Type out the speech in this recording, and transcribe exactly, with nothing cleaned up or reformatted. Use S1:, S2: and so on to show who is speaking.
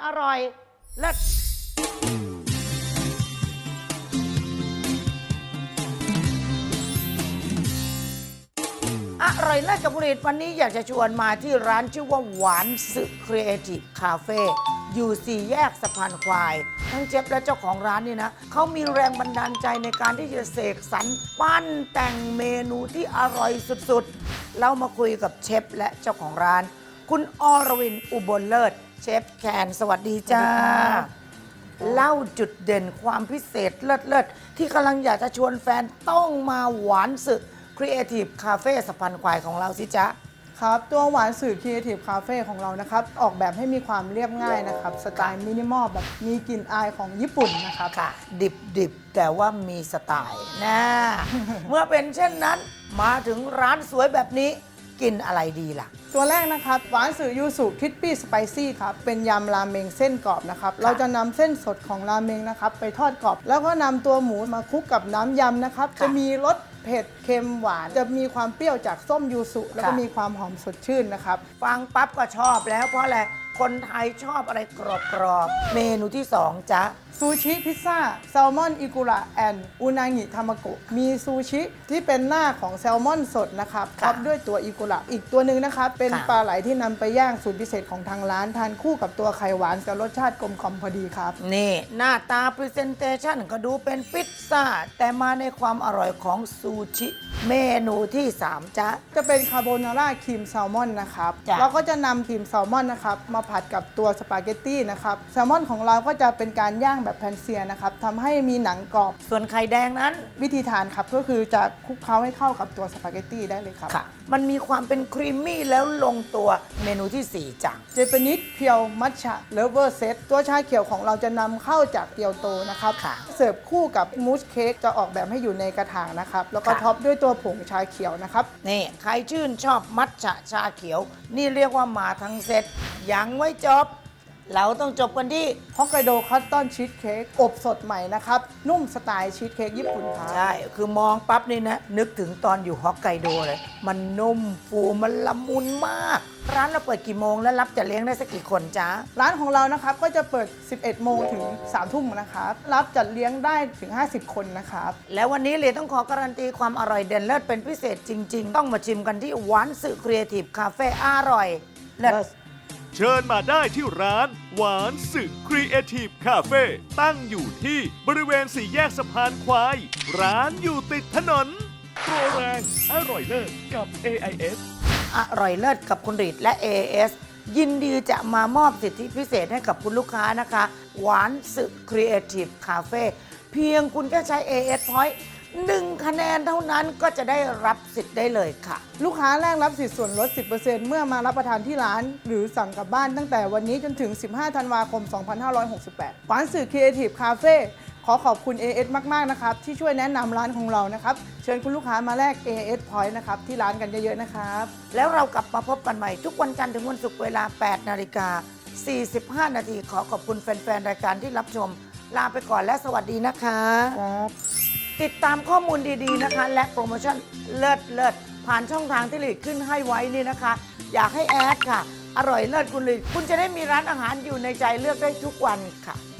S1: อร่อยเลิศอร่อยเลิศกับผลิตวันนี้อยากจะชวนมาที่ร้านชื่อว่าหวานสึครีเอทีฟคาเฟ่อยู่สี่แยกสะพานควายทั้งเชฟและเจ้าของร้านนี่นะเขามีแรงบันดาลใจในการที่จะเสกสรรปั้นแต่งเมนูที่อร่อยสุดๆเรามาคุยกับเชฟและเจ้าของร้านคุณอรวินอุบลเลิศเชฟแคนสวัสดีจ้าเล่าจุดเด่นความพิเศษเลิศๆที่กำลังอยากจะชวนแฟนต้องมาหวานสึครีเอทีฟคาเฟ่สะพานควายของเราสิจ๊ะ
S2: ครับตัวหวานสื่อ Creative Cafe ของเรานะครับออกแบบให้มีความเรียบง่ายนะครับสไตล์มินิมอลแบบมีกลิ่นอายของญี่ปุ่นนะครับ
S1: ค่ะดิบดิบแต่ว่ามีสไตล์นะ เมื่อเป็นเช่นนั้นมาถึงร้านสวยแบบนี้กินอะไรดีล่ะ
S2: ตัวแรกนะครับหวานสื่อยูสุคิดปี้สไปซี่ครับเป็นยำราเมงเส้นกรอบนะครับเราจะนำเส้นสดของราเมงนะครับไปทอดกรอบแล้วก็นำตัวหมูมาคลุกกับน้ำยำนะครับจะมีรสเผ็ดเค็มหวานจะมีความเปรี้ยวจากส้มยูสุแล้วก็มีความหอมสดชื่นนะครับ
S1: ฟังปั๊บก็ชอบแล้วเพราะอะไรคนไทยชอบอะไรกรอบๆเมนูที่สองจ๊ะ
S2: ซูชิพิซซ่าแซลมอนอิกุระแอนอุนางิทามาโกะมีซูชิที่เป็นหน้าของแซลมอนสดนะครับท็อปด้วยตัวอิกุระอีกตัวหนึ่งนะครับเป็นปลาไหลที่นำไปย่างสูตรพิเศษของทางร้านทานคู่กับตัวไข่หวานจะรสชาติกลมกล่อมพอดีครับ
S1: นี่หน้าตาพรีเซนเตชันก็ดูเป็นพิซซ่าแต่มาในความอร่อยของซูชิเมนูที่สามจ๊ะ
S2: จะเป็นคาโบนาร่าครีมแซลมอนนะครับเราก็จะนำครีมแซลมอนนะครับมาผัดกับตัวสปาเกตตี้นะครับแซลมอนของเราก็จะเป็นการย่างแบบแพนเซียนะครับทำให้มีหนังกรอบ
S1: ส่วนไข่แดงนั้น
S2: วิธีทานครับก็คือจะคลุกเคล้าให้เข้ากับตัวสปาเกตตี้ได้เลยครับ
S1: ค่ะมันมีความเป็นครีมมี่แล้วลงตัวเมนูที่สี่จ้ะ
S2: เจแปนิสเพียวมัทฉะเลเวอร์เซตตัวชาเขียวของเราจะนำเข้าจากเกียวโตนะครับเสิร์ฟคู่กับมูสเค้กจะออกแบบให้อยู่ในกระถางนะครับแล้วก็ท็อปด้วยตัวผงชาเขียวนะครับ
S1: นี่ใครชื่นชอบมัทฉะชาเขียวนี่เรียกว่ามาทั้งเซตยังไม่จบเราต้องจบกันที่
S2: ฮอกไกโดคัตตอนชีสเค้กอบสดใหม่นะครับนุ่มสไตล์ชีสเค้กญี่ปุ่นครับ
S1: ใช่คือมองปั๊บนี่นะนึกถึงตอนอยู่ฮอกไกโดเลยมันนุ่มฟูมันละมุนมากร้านเราเปิดกี่โมงและรับจะเลี้ยงได้สักกี่คนจ๊ะ
S2: ร้านของเรานะครับก็จะเปิดสิบเอ็ดโมงถึงสามทุ่มนะครับรับจัดเลี้ยงได้ถึงห้าสิบคนนะครับ
S1: แล้ววันนี้เลยต้องขอการันตีความอร่อยเด่นเลิศเป็นพิเศษจริงๆต้องมาชิมกันที่หวานสึครีเอทีฟคาเฟ่อร่อยเลิศ
S3: เชิญมาได้ที่ร้านหวานสึครีเอทีฟคาเฟ่ตั้งอยู่ที่บริเวณสี่แยกสะพานควายร้านอยู่ติดถนนโปรแรงอร่อยเลิศกับ เอ ไอ เอส
S1: อร่อยเลิศกับคุณรีดและ เอ เอส ยินดีจะมามอบสิทธิพิเศษให้กับคุณลูกค้านะคะหวานสึครีเอทีฟคาเฟ่เพียงคุณแค่ใช้ เอ เอส Pointหนึ่งคะแนนเท่านั้นก็จะได้รับสิทธิ์ได้เลยค่ะ
S2: ลูกค้าแรกรับสิทธิ์ส่วนลด สิบเปอร์เซ็นต์ เมื่อมารับประทานที่ร้านหรือสั่งกลับบ้านตั้งแต่วันนี้จนถึงสิบห้าธันวาคมสองพันห้าร้อยหกสิบแปดหวานสึ Creative Cafe ขอขอบคุณ เอ เอส มากๆนะครับที่ช่วยแนะนำร้านของเรานะครับเชิญคุณลูกค้ามาแลก เอ เอส Point นะครับที่ร้านกันเยอะๆนะครับ
S1: แล้วเรากลับมาพบกันใหม่ทุกวันจันทร์ถึงวันศุกร์เวลา แปดนาฬิกาสี่สิบห้านาทีขอขอบคุณแฟนๆรายการที่รับชมลาไปก่อนและสวัสดีนะคะ
S2: ครับ
S1: ติดตามข้อมูลดีๆนะคะและโปรโมชั่นเลิศเลิศผ่านช่องทางที่หลีดขึ้นให้ไว้นี่นะคะอยากให้แอดค่ะอร่อยเลิศคุณหลีดคุณจะได้มีร้านอาหารอยู่ในใจเลือกได้ทุกวันค่ะ